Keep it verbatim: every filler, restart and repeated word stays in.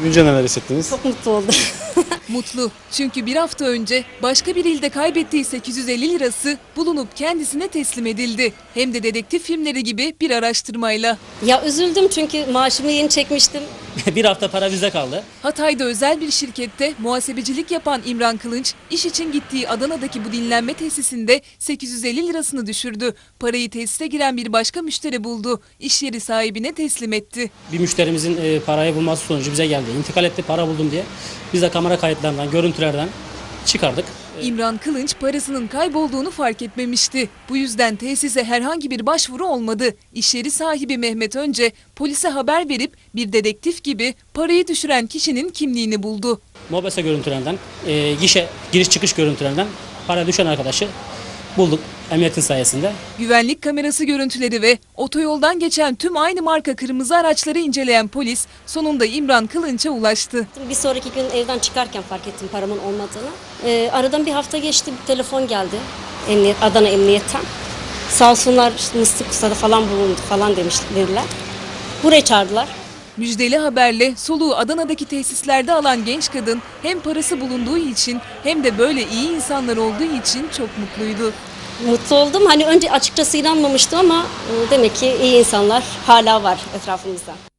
Duyunca neler hissettiniz? Çok mutlu oldum. Mutlu çünkü bir hafta önce başka bir ilde kaybettiği sekiz yüz elli lirası bulunup kendisine teslim edildi. Hem de dedektif filmleri gibi bir araştırmayla. Ya üzüldüm çünkü maaşımı yeni çekmiştim. Bir hafta para bizde kaldı. Hatay'da özel bir şirkette muhasebecilik yapan İmran Kılınç, iş için gittiği Adana'daki bu dinlenme tesisinde sekiz yüz elli lirasını düşürdü. Parayı tesise giren bir başka müşteri buldu. İş yeri sahibine teslim etti. Bir müşterimizin e, parayı bulması sonucu bize geldi. İntikal etti, para buldum diye. Biz de kamera kayıtlarından, görüntülerden çıkardık. İmran Kılınç parasının kaybolduğunu fark etmemişti. Bu yüzden tesise herhangi bir başvuru olmadı. İş yeri sahibi Mehmet önce polise haber verip bir dedektif gibi parayı düşüren kişinin kimliğini buldu. Mobese görüntülerinden, e, gişe giriş çıkış görüntülerinden para düşen arkadaşı bulduk emniyetin sayesinde. Güvenlik kamerası görüntüleri ve otoyoldan geçen tüm aynı marka kırmızı araçları inceleyen polis sonunda İmran Kılınç'a ulaştı. Bir sonraki gün evden çıkarken fark ettim paramın olmadığını. Ee, aradan bir hafta geçti, bir telefon geldi Emniyet, Adana Emniyet'ten. Sağ olsunlar işte Mıstık Kusa'da falan bulundu falan demiş, dediler. Buraya çağırdılar. Müjdeli haberle soluğu Adana'daki tesislerde alan genç kadın hem parası bulunduğu için hem de böyle iyi insanlar olduğu için çok mutluydu. Mutlu oldum. Hani önce açıkçası inanmamıştım ama e, demek ki iyi insanlar hala var etrafımızda.